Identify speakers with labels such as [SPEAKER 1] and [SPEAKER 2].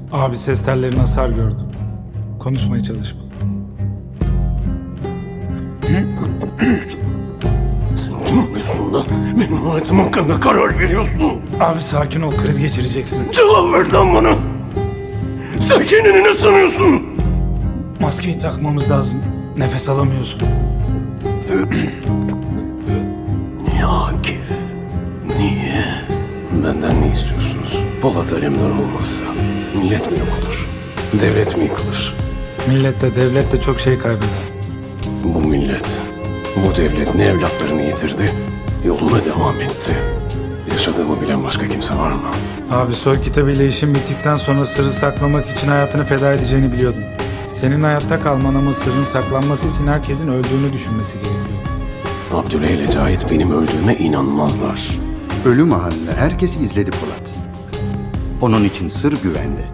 [SPEAKER 1] Abi ses tellerine hasar gördüm. Konuşmaya çalışma.
[SPEAKER 2] Sen kim oluyorsun da benim hayatım hakkında karar veriyorsun?
[SPEAKER 1] Abi sakin ol, kriz geçireceksin.
[SPEAKER 2] Cevap ver lan bana. Sen kendini ne sanıyorsun?
[SPEAKER 1] Maskeyi takmamız lazım. Nefes alamıyorsun.
[SPEAKER 2] Niye Akif? Niye? Benden ne istiyorsunuz? Polat Alemdar olmazsa millet mi yok olur? Devlet mi yıkılır?
[SPEAKER 1] Millet de devlet de çok şey kaybeder.
[SPEAKER 2] Bu millet, bu devlet ne evlatlarını yitirdi, yoluna devam etti. Yaşadığımı bilen başka kimse var mı?
[SPEAKER 1] Abi soy kitabıyla işin bittikten sonra sırrı saklamak için hayatını feda edeceğini biliyordum. Senin hayatta kalman ama sırrın saklanması için herkesin öldüğünü düşünmesi gerekiyor.
[SPEAKER 2] Abdüley ile Cahit benim öldüğüme inanmazlar.
[SPEAKER 3] Ölü Mahalle'ni herkes izledi Polat. Onun için sır güvende.